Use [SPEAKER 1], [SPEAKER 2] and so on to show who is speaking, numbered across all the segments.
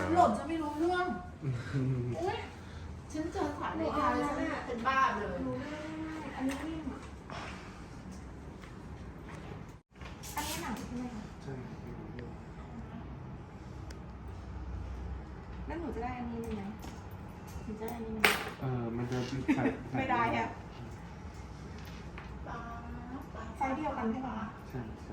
[SPEAKER 1] หล่นจะไม่รู้เรื่องอุ้ยฉันเจอสายนาฬิกาแล้วฉันเป็นบ้าเลย
[SPEAKER 2] อันนี้นิ่มอันนี้หนังใช่ไหมคะ
[SPEAKER 3] ใช่
[SPEAKER 2] แล้วหนูจะได้อันนี้ไหมหนูจะได้อันนี้ไหม
[SPEAKER 3] มันจะใส่
[SPEAKER 2] ไม่ได้อะไซส์เดียวกันใช่ปะ
[SPEAKER 3] ใช่ใช่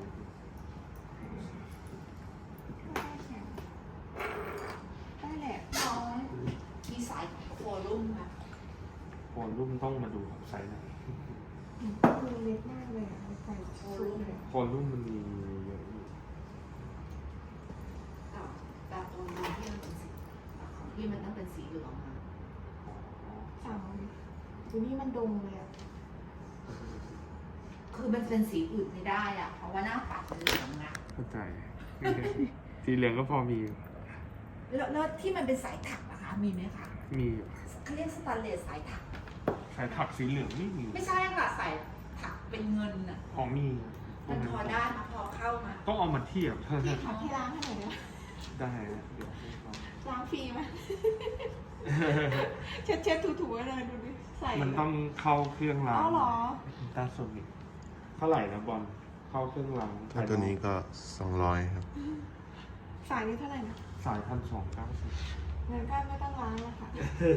[SPEAKER 2] ได้แหละ
[SPEAKER 1] น้อยมีสายโคลุ่มค่ะ
[SPEAKER 3] โคนรุ่มต้องมาดูครับไซส์ไหน
[SPEAKER 2] คือเล็กมากเลยอ่ะใส่โชว์เลย
[SPEAKER 3] โคนรุ่มมันมีเยอะอยู่
[SPEAKER 1] แต่ตรงนี้ที่มันเป็นสีของพี่มันต้องเป็นสีเหลืองค่ะ
[SPEAKER 2] สั่งดูนี่มันดงเลยอ่ะ
[SPEAKER 1] คือมันเป็นสีอื่นไม่ได้อ่ะเพราะว่าหน้าปัดมันเหลืองนะ
[SPEAKER 3] เข้าใจสีเหลืองก็พอมี
[SPEAKER 1] แล้วที่มันเป็นสายถักนะคะมีไหมคะ
[SPEAKER 3] มี
[SPEAKER 1] เขาเรียกสแตนเลสสายถัก
[SPEAKER 3] สายถักสีเหลืองไม่มี
[SPEAKER 1] ไม่ใช่ค่ะสายถักเป็นเงินอ่ะ
[SPEAKER 3] พอมี
[SPEAKER 1] มันพอได้มาพอเข้ามา
[SPEAKER 3] ต้องเอามาเทียบเท่านั้น
[SPEAKER 2] ที่ล้างให้หน่อย
[SPEAKER 3] ได้เดี๋ยว
[SPEAKER 2] ล้างฟรีไหมเช็ดถูๆเลยดูดิใส่
[SPEAKER 3] มันต้องเข้าเครื่องล้าง
[SPEAKER 2] อ๋อเหรอ
[SPEAKER 3] ตาสมิกเท่าไหร่นะบอลเข้าเครื่องล้าง
[SPEAKER 4] ถ้าตัวนี้ก็200ครับ
[SPEAKER 2] สายนี้เท่าไหร่นะ
[SPEAKER 3] สาย1,290
[SPEAKER 2] เงินก็ไม่ต้องล้างแล้วค่ะ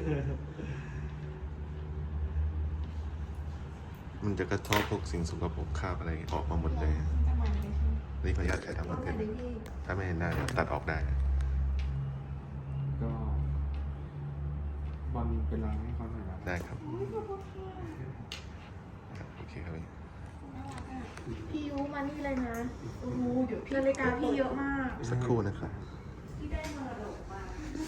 [SPEAKER 4] มันจะกระทบพวกสิ่งสกปรกคราบอะไรออกมาหมดเลยนี่ขออนุญาตใช้ทำมันเกินถ้าไม่เห็นหน้าตัดออกได้
[SPEAKER 3] ก็บอลไปล้างให้เขาหน่อยนะ
[SPEAKER 4] ได้ครับโอเคครับ
[SPEAKER 2] พี่ยูมานี่เลยนะโอ้โหเดี๋ยวนาฬิกาพี่เยอะมาก
[SPEAKER 4] สักครู่นะครับ
[SPEAKER 1] ที่ได้มรดกมา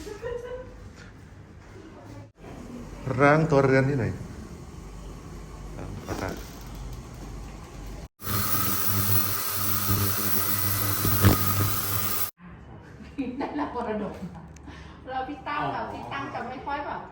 [SPEAKER 4] ล้างตัวเรือนที่ไหนขอตัด
[SPEAKER 1] ได้รับมรดกเราพี่ตั้งจะไม่ค่อยแบบ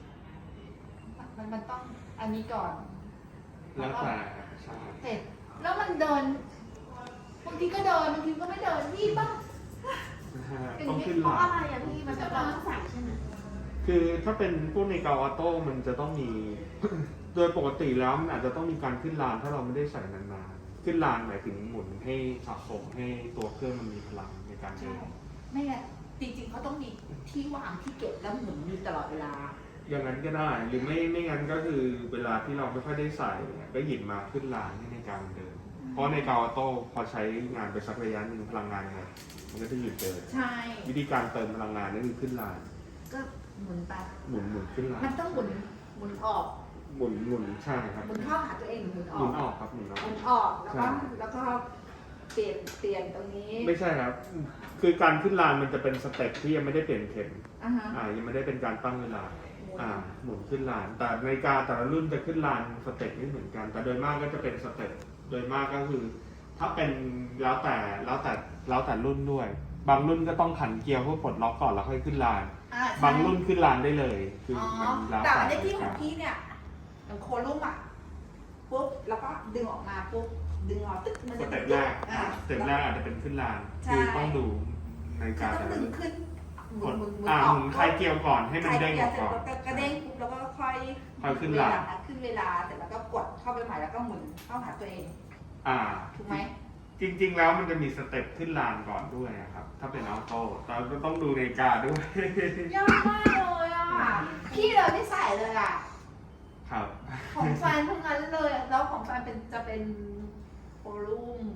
[SPEAKER 1] มันต้องอันนี้ก่อน
[SPEAKER 3] แล้วแต่
[SPEAKER 1] เสร็จแล้วมันเดินบางทีก็เดินบางทีก็ไม่เดินพี่ป่ะ
[SPEAKER 3] ต้องขึ้น
[SPEAKER 2] เพราะอะไรอ่ะพี่มันจะต้องใส่ใช่ไหม
[SPEAKER 3] คือถ้าเป็นพวกในเกาออโต้มันจะต้องมี โดยปกติแล้วมันอาจจะต้องมีการขึ้นลานถ้าเราไม่ได้ใส่นานๆขึ้นลานหมายถึงหมุนให้สะสมให้ตัวเครื่องมันมีพลังในการเดิน
[SPEAKER 1] ไม่งั้นจริงๆเขาต้องมีที่วางที่เก็บแล้วหมุนอยู่ตลอดเวลา
[SPEAKER 3] อย่างนั้นก็ได้หรือไม่งั้นก็คือเวลาที่เราไม่ค่อยได้ใส่ก็หยิบมาขึ้นลานในการเดินเพราะในเกาออโต้พอใช้งานไปสักระยะหนึ่งพลังงานไงมันก็จะหยุดเดิน
[SPEAKER 1] ใช่
[SPEAKER 3] วิธีการเติมพลังงานนั่นคือขึ้นลาน
[SPEAKER 1] ก็หมุนไป
[SPEAKER 3] หมุนขึ้นลาน
[SPEAKER 1] มันต้องหมุนออก
[SPEAKER 3] หมุนใช่ครับ
[SPEAKER 1] หมุนเข้าหาตัวเองหรือหมุนออก
[SPEAKER 3] หมุนออกครับหมุน
[SPEAKER 1] ออกแล้วก็เปลี่ยนตรงนี้
[SPEAKER 3] ไม่ใช่ครับคือการขึ้นลานมันจะเป็นสเต็ปที่ยังไม่ได้เปลี่ยนเข็มยังไม่ได้เป็นการตั้งเวลาหมุนขึ้นลานแต่นาฬิกาแต่ละรุ่นจะขึ้นลานสเต็ปไม่เหมือนกันแต่โดยมากก็จะเป็นสเต็ปโดยมากก็คือถ้าเป็นแล้วแต่รุ่นด้วยบางรุ่นก็ต้องขันเกียร์เพื่อปลดล็อกก่อนแล้วค่อยขึ้นลานบางรุ่นขึ้นลานได้เลยคือ
[SPEAKER 1] มันแล้วแต่ในที่ของพี่เนี่ยอย่างโคลุ่มปุ๊บแล้วก็ดึงออกมาปุ๊บดึงออกตึ๊กมัน
[SPEAKER 3] จะสเต็ปแรกอาจจะเป็นขึ้นลานคือต้องดูในการ
[SPEAKER 1] แต่ละดึงขึ้น
[SPEAKER 3] หมุนคลายเกียร์ก่อนให้มันเด้งออกก่อน
[SPEAKER 1] กระเด้งปุ๊บแล้วก็ค่อย
[SPEAKER 3] ขึ้นลาน
[SPEAKER 1] ขึ้นเวลาเสร็จแล้วก็กดเข้าไปใหม่แล้วก็หมุนเข้าหาตัวเองถูกไหม
[SPEAKER 3] จริงๆแล้วมันจะมีสเต็ปขึ้นลานก่อนด้วยครับถ้าเป็นออโต้เราก็ต้องดูนาฬิกาด้วย
[SPEAKER 1] ยากมากเลยพี่เลยไม่ใส่เลย
[SPEAKER 3] ครับ
[SPEAKER 1] ของแฟนทั้งนั้นเลยแล้วของแฟนจะเป็นโคลุ่ม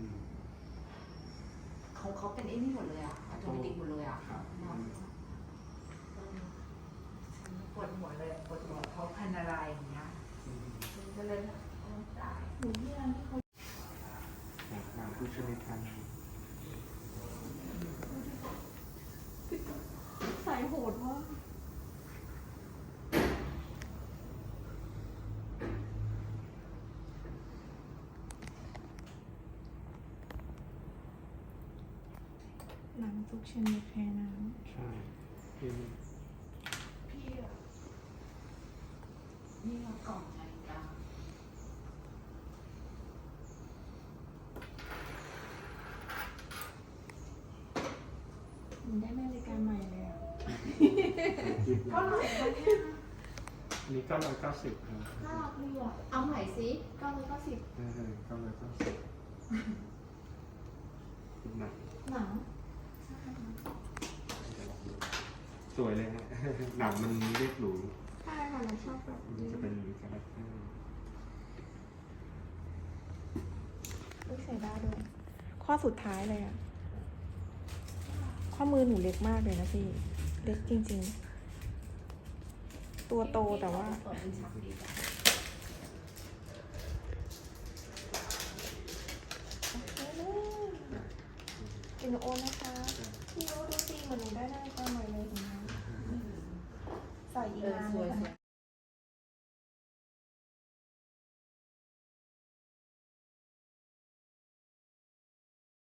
[SPEAKER 1] ของเขาเป็นไอ้นี่หมดเลยอัตโนมัติหมดเลยปวดหัวเลยปวดหัวเขาพันอะไรอย่างเงี้ยก็เลยตายหนูที่ร้านที่เขา
[SPEAKER 3] ผู้ชนิดกัน
[SPEAKER 2] ใส่โหดมากหนังทุกชนิดแพ้น้ำ
[SPEAKER 3] ใช่พี่
[SPEAKER 1] นี่เรากล่องนาฬิกา
[SPEAKER 2] ได้นาฬิกาใหม่เลยเท่าไหร่คะเนี่ย
[SPEAKER 3] อันนี้990ครับ
[SPEAKER 2] น่ารักดีอ่ะเอาใหม่สิ990
[SPEAKER 3] 990เป็นหนัง
[SPEAKER 2] หนัง
[SPEAKER 3] สวยเลยฮะ หนังมันเรียบหรู
[SPEAKER 2] ใช่ค่ะเราชอบแบบ
[SPEAKER 3] มัน
[SPEAKER 2] นี้
[SPEAKER 3] จะเป็นคาแรคเตอร์
[SPEAKER 2] ใส่ได้ด้วยข้อสุดท้ายเลยอ่ะข้อมือหนูเล็กมากเลยนะพี่เล็กจริงๆตัวโตแต่ว่าอินโอนนะคะพี่โอดูสิเหมือนหนูได้นาฬิกาใหม่เลยเห็นไหมใส่อีกนานเลยค่ะ